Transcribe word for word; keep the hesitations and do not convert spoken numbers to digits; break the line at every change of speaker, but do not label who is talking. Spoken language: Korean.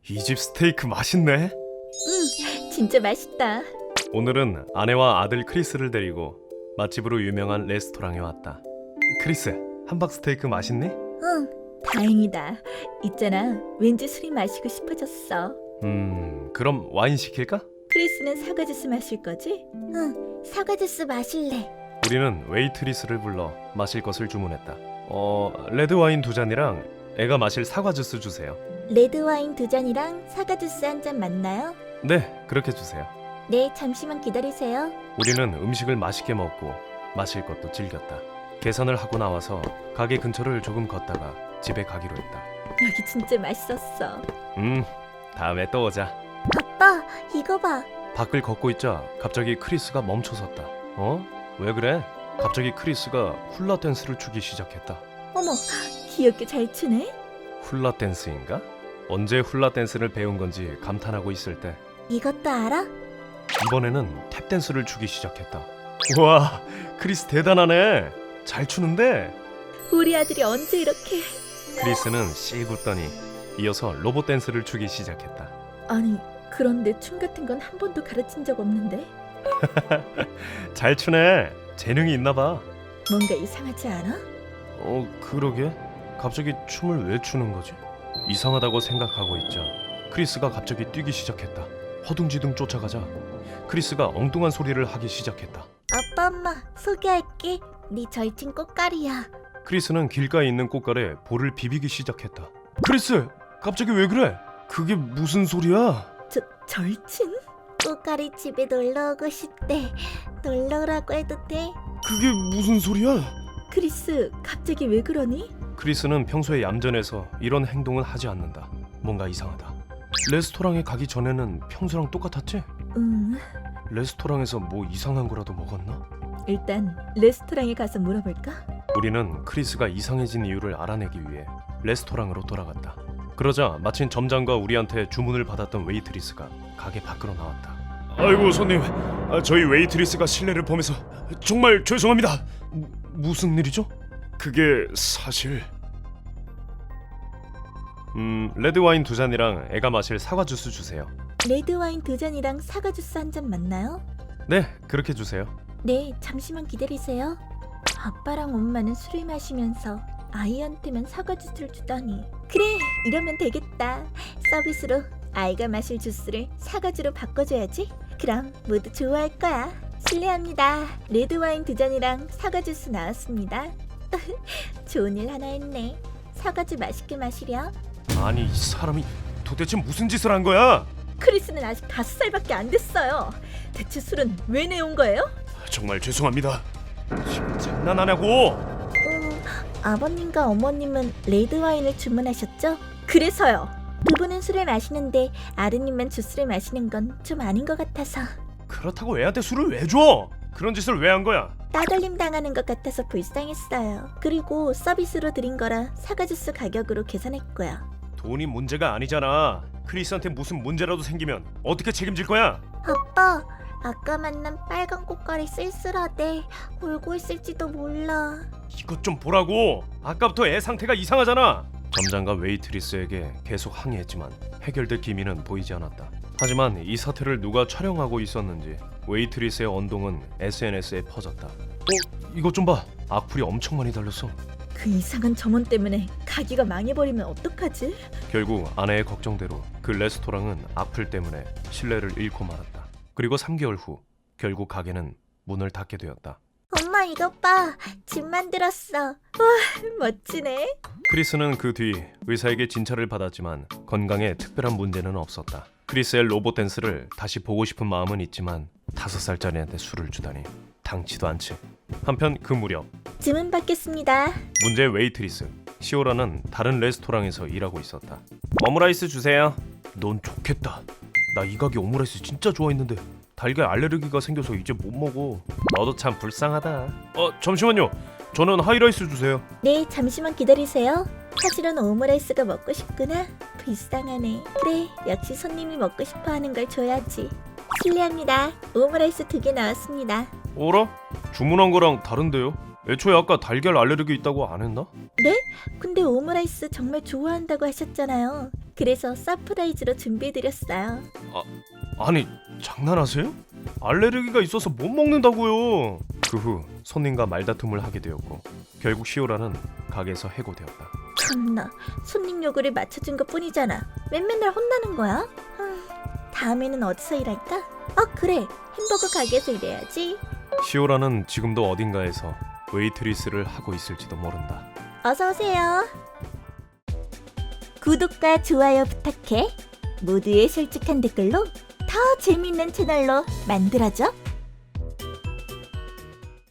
이 집 스테이크 맛있네.
응, 진짜 맛있다.
오늘은 아내와 아들 크리스를 데리고 맛집으로 유명한 레스토랑에 왔다. 크리스, 함박 스테이크 맛있니?
응, 다행이다. 있잖아, 왠지 술이 마시고 싶어졌어.
음, 그럼 와인 시킬까?
크리스는 사과 주스 마실 거지? 응, 사과 주스 마실래.
우리는 웨이트리스를 불러 마실 것을 주문했다. 어, 레드 와인 두 잔이랑 애가 마실 사과 주스 주세요.
레드 와인 두 잔이랑 사과 주스 한 잔 맞나요?
네, 그렇게 주세요.
네, 잠시만 기다리세요.
우리는 음식을 맛있게 먹고 마실 것도 즐겼다. 계산을 하고 나와서 가게 근처를 조금 걷다가 집에 가기로 했다.
여기 진짜 맛있었어.
음, 다음에 또 오자.
아빠, 이거 봐.
밖을 걷고 있자 갑자기 크리스가 멈춰섰다. 어? 왜 그래? 갑자기 크리스가 훌라 댄스를 추기 시작했다.
어머, 귀엽게 잘 추네.
훌라 댄스인가? 언제 훌라 댄스를 배운 건지 감탄하고 있을 때
이것도 알아?
이번에는 탭 댄스를 추기 시작했다. 우와, 크리스 대단하네. 잘 추는데?
우리 아들이 언제 이렇게...
크리스는 씩 웃더니 이어서 로봇 댄스를 추기 시작했다.
아니, 그런데 춤 같은 건 한 번도 가르친 적 없는데?
잘 추네. 재능이 있나 봐.
뭔가 이상하지 않아?
어, 그러게. 갑자기 춤을 왜 추는 거지? 이상하다고 생각하고 있자 크리스가 갑자기 뛰기 시작했다. 허둥지둥 쫓아가자 크리스가 엉뚱한 소리를 하기 시작했다.
아빠, 엄마, 소개할게. 네 절친 꽃가리야.
크리스는 길가에 있는 꽃갈에 볼을 비비기 시작했다. 크리스, 갑자기 왜 그래? 그게 무슨 소리야?
저, 절친? 꽃가리 집에 놀러 오고 싶대. 놀러 오라고 해도 돼?
그게 무슨 소리야?
크리스, 갑자기 왜 그러니?
크리스는 평소에 얌전해서 이런 행동은 하지 않는다. 뭔가 이상하다. 레스토랑에 가기 전에는 평소랑 똑같았지?
음,
레스토랑에서 뭐 이상한 거라도 먹었나?
일단 레스토랑에 가서 물어볼까?
우리는 크리스가 이상해진 이유를 알아내기 위해 레스토랑으로 돌아갔다. 그러자 마침 점장과 우리한테 주문을 받았던 웨이트리스가 가게 밖으로 나왔다. 아이고 손님, 아, 저희 웨이트리스가 실례를 범해서 정말 죄송합니다. 무, 무슨 일이죠? 그게 사실... 음, 레드 와인 두 잔이랑 애가 마실 사과 주스 주세요.
레드 와인 두 잔이랑 사과 주스 한 잔 맞나요?
네, 그렇게 주세요.
네, 잠시만 기다리세요. 아빠랑 엄마는 술을 마시면서 아이한테만 사과 주스를 주다니. 그래, 이러면 되겠다. 서비스로 아이가 마실 주스를 사과주로 바꿔줘야지. 그럼 모두 좋아할 거야. 실례합니다. 레드 와인 두 잔이랑 사과 주스 나왔습니다. 좋은 일 하나 했네. 사과주 맛있게 마시렴.
아니, 이 사람이 도대체 무슨 짓을 한 거야?
크리스는 아직 다섯 살밖에 안 됐어요. 대체 술은 왜 내온 거예요?
정말 죄송합니다. 지금 장난하냐고?
음, 아버님과 어머님은 레드 와인을 주문하셨죠? 그래서요. 두 분은 술을 마시는데 아드님만 주스를 마시는 건 좀 아닌 것 같아서.
그렇다고 애한테 술을 왜 줘? 그런 짓을 왜 한 거야?
따돌림 당하는 것 같아서 불쌍했어요. 그리고 서비스로 드린 거라 사과 주스 가격으로 계산했고요.
돈이 문제가 아니잖아. 크리스한테 무슨 문제라도 생기면 어떻게 책임질 거야?
아빠, 아까 만난 빨간 꽃갈이 쓸쓸하대. 울고 있을지도 몰라.
이것 좀 보라고. 아까부터 애 상태가 이상하잖아. 점장과 웨이트리스에게 계속 항의했지만 해결될 기미는 보이지 않았다. 하지만 이 사태를 누가 촬영하고 있었는지 웨이트리스의 언동은 에스엔에스에 퍼졌다. 어? 이것 좀 봐. 악플이 엄청 많이 달렸어.
그 이상한 점원 때문에 가게가 망해버리면 어떡하지?
결국 아내의 걱정대로 그 레스토랑은 악플 때문에 신뢰를 잃고 말았다. 그리고 삼 개월 후 결국 가게는 문을 닫게 되었다.
엄마 이것 봐. 집 만들었어. 와, 멋지네.
크리스는 그 뒤 의사에게 진찰을 받았지만 건강에 특별한 문제는 없었다. 크리스의 로봇 댄스를 다시 보고 싶은 마음은 있지만 다섯 살짜리한테 술을 주다니 당치도 않지. 한편 그 무렵
주문 받겠습니다.
문제의 웨이트리스 시오라는 다른 레스토랑에서 일하고 있었다. 오므라이스 주세요. 넌 좋겠다. 나 이 가게 오므라이스 진짜 좋아했는데 달걀 알레르기가 생겨서 이제 못 먹어. 너도 참 불쌍하다. 어, 잠시만요. 저는 하이라이스 주세요.
네, 잠시만 기다리세요. 사실은 오므라이스가 먹고 싶구나. 불쌍하네. 그래, 역시 손님이 먹고 싶어하는 걸 줘야지. 실례합니다. 오므라이스 두 개 나왔습니다.
어라? 주문한 거랑 다른데요? 애초에 아까 달걀 알레르기 있다고 안 했나?
네? 근데 오므라이스 정말 좋아한다고 하셨잖아요. 그래서 서프라이즈로 준비해드렸어요.
아니 장난하세요? 알레르기가 있어서 못 먹는다고요. 그 후 손님과 말다툼을 하게 되었고 결국 시오라는 가게에서 해고되었다.
참나, 손님 요구를 맞춰준 것 뿐이잖아. 왜 맨날 혼나는 거야? 흠, 다음에는 어디서 일할까? 어 그래, 햄버거 가게에서 일해야지.
시오라는 지금도 어딘가에서 웨이트리스를 하고 있을지도 모른다.
어서 오세요. 구독과 좋아요 부탁해. 모두의 솔직한 댓글로 더 재밌는 채널로 만들어줘.